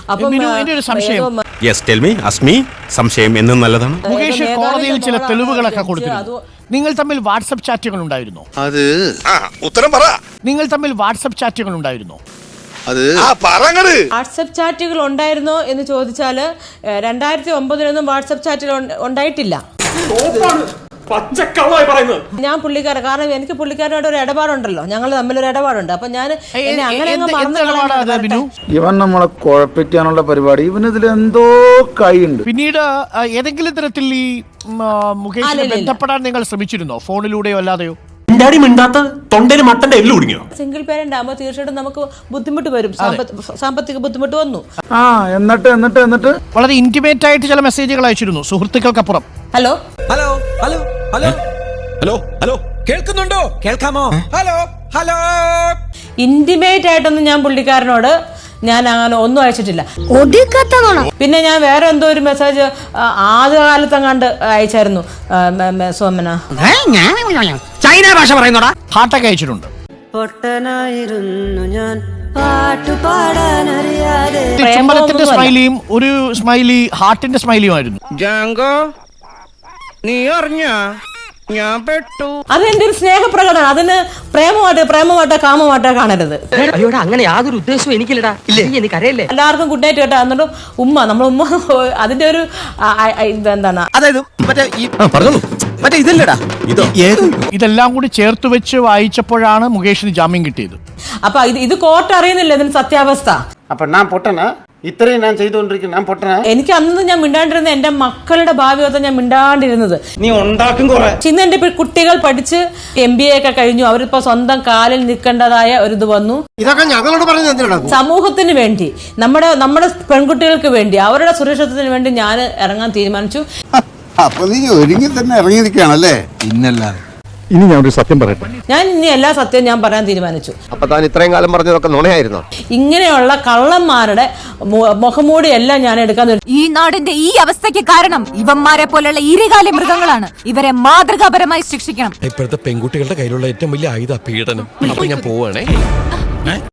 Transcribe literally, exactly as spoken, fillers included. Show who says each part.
Speaker 1: സംശയം എന്നും നല്ലതാണ്.
Speaker 2: മുകേഷ് കോടതിയിൽ ചില തെളിവുകളൊക്കെ കൊടുത്തിരുന്നു. നിങ്ങൾ തമ്മിൽ വാട്സ്ആപ്പ് ചാറ്റുകൾ ഉണ്ടായിരുന്നു.
Speaker 3: അത് ഉത്തരം പറ.
Speaker 2: നിങ്ങൾ തമ്മിൽ വാട്സ്ആപ്പ് ചാറ്റുകൾ ഉണ്ടായിരുന്നു.
Speaker 3: അത്
Speaker 4: വാട്സ്ആപ്പ് ചാറ്റുകൾ ഉണ്ടായിരുന്നോ എന്ന് ചോദിച്ചാൽ രണ്ടായിരത്തി ഒമ്പതിലൊന്നും വാട്സ്ആപ്പ് ചാറ്റുകൾ ഉണ്ടായിട്ടില്ല. ഞാൻ പുള്ളിക്കാരൻ, കാരണം എനിക്ക് പുള്ളിക്കാരനോട് ഒരു ഇടപാടുണ്ടല്ലോ, ഞങ്ങൾ തമ്മിലൊരു ഇടപാടുണ്ട്. അപ്പൊ ഞാൻ അങ്ങനെ
Speaker 5: ഇവൻ നമ്മളെ കുഴപ്പിക്കാനുള്ള പരിപാടി, ഇവനിതിൽ എന്തോ കൈയുണ്ട്.
Speaker 2: പിന്നീട് ഏതെങ്കിലും തരത്തിൽ ഈ മുകേഷിനെ ബന്ധപ്പെടാൻ നിങ്ങൾ ശ്രമിച്ചിരുന്നോ, ഫോണിലൂടെയോ അല്ലാതെയോ?
Speaker 4: സിംഗിൾ പേരന്റ് ആകുമ്പോൾ തീർച്ചയായിട്ടും നമുക്ക് ബുദ്ധിമുട്ട് വരും, സാമ്പത്തിക ബുദ്ധിമുട്ട് വന്നു.
Speaker 5: ആ എന്നിട്ട് എന്നിട്ട് എന്നിട്ട്
Speaker 2: വളരെ ഇന്റിമേറ്റ് ആയിട്ട് ചില മെസ്സേജുകൾ അയച്ചിരുന്നു സുഹൃത്തുക്കൾക്കപ്പുറം.
Speaker 4: Hello
Speaker 6: hello hello hello hello hello കേൾക്കുന്നുണ്ടോ? കേൾക്കാമോ? ഹലോ ഹലോ
Speaker 4: ഇന്റിമേറ്റ് ആയിട്ടൊന്നും ഞാൻ പുള്ളിക്കാരനോട് ഞാൻ അങ്ങനെ ഒന്നും അയച്ചിട്ടില്ല. പിന്നെ ഞാൻ വേറെ എന്തോ ഒരു മെസ്സേജ് ആദ്യകാലത്തെങ്ങാണ്ട് അയച്ചായിരുന്നു സോമന.
Speaker 6: ചൈന ഭാഷ പറയുന്നോടാ.
Speaker 2: ഹാർട്ടൊക്കെ അയച്ചിട്ടുണ്ട്. ചുമലത്തിന്റെ സ്മൈലിയും ഒരു സ്മൈലി ഹാർട്ടിന്റെ സ്മൈലിയും ആയിരുന്നു.
Speaker 6: ജാങ്കോ നീ അറിഞ്ഞ ഞാൻ പെട്ടു.
Speaker 4: അതെന്റെ ഒരു സ്നേഹപ്രകടനം. അതിന് പ്രേമമായിട്ട് പ്രേമമായിട്ടോ കാമമായിട്ടോ കാണരുത്.
Speaker 7: അയ്യോടാ, അങ്ങനെ യാതൊരു ഉദ്ദേശവും എനിക്കില്ലടാ. എനിക്കറിയില്ലേ.
Speaker 4: എല്ലാവർക്കും ഗുഡ് നൈറ്റ് കേട്ടോ. എന്നിട്ട് ഉമ്മ നമ്മൾ ഉമ്മ അതിന്റെ ഒരു എന്താണ്,
Speaker 6: അതായത് മറ്റേ ഇതല്ലടാ ഇതോ
Speaker 2: ഇതെല്ലാം കൂടി ചേർത്ത് വെച്ച് വായിച്ചപ്പോഴാണ് മുകേഷിന് ജാമ്യം കിട്ടിയത്.
Speaker 4: അപ്പൊ ഇത് ഇത് കോർട്ട് അറിയുന്നില്ല ഇതിന് സത്യാവസ്ഥ.
Speaker 5: അപ്പൊ ഞാൻ പൊട്ടനാ? ഇത്രയും ഞാൻ ചെയ്തുകൊണ്ടിരിക്കുന്നു, ഞാൻ പൊട്ടനാ?
Speaker 4: എനിക്ക് അന്ന് ഞാൻ മിണ്ടാണ്ടിരുന്നത് എന്റെ മക്കളുടെ ഭാവി ഒന്നും ഞാൻ മിണ്ടാണ്ടിരുന്നത്.
Speaker 6: നീ ഉണ്ടാക്കും കുറെ.
Speaker 4: ഇന്ന് എന്റെ കുട്ടികൾ പഠിച്ച് എം ബി എ ഒക്കെ കഴിഞ്ഞു, അവരിപ്പോ സ്വന്തം കാലിൽ നിൽക്കേണ്ടതായ ഒരു ഇത് വന്നു.
Speaker 5: ഇതൊക്കെ ഞങ്ങളോട് പറഞ്ഞു.
Speaker 4: സമൂഹത്തിന് വേണ്ടി, നമ്മുടെ നമ്മുടെ പെൺകുട്ടികൾക്ക് വേണ്ടി, അവരുടെ സുരക്ഷിതത്വത്തിന് വേണ്ടി ഞാൻ ഇറങ്ങാൻ തീരുമാനിച്ചു.
Speaker 3: അപ്പൊ നീ ഒരുങ്ങി തന്നെ ഇറങ്ങിയിരിക്കുകയാണല്ലേ?
Speaker 5: ഇന്നല്ലാതെ
Speaker 1: ഇനി ഞാൻ ഒരു സത്യം പറയട്ടെ.
Speaker 4: ഞാൻ ഇനി എല്ലാ സത്യവും ഞാൻ പറയാൻ തീരുമാനിച്ചു.
Speaker 1: അപ്പൊ താൻ ഇത്രയും കാലം പറഞ്ഞതൊക്കെ നുണയായിരുന്നോ?
Speaker 4: ഇങ്ങനെയുള്ള കള്ളന്മാരുടെ മുഖംമൂടി എല്ലാം ഞാൻ എടുക്കാൻ.
Speaker 8: ഈ നാടിന്റെ ഈ അവസ്ഥയ്ക്ക് കാരണം ഇവന്മാരെ പോലുള്ള ഈരകാല മൃഗങ്ങളാണ്. ഇവരെ മാതൃകാപരമായി ശിക്ഷിക്കണം.
Speaker 9: ഇപ്പോഴത്തെ പെൺകുട്ടികളുടെ കയ്യിലുള്ള ഏറ്റവും വലിയ ആയുധ പീഡനം. അപ്പൊ ഞാൻ പോവാണേ.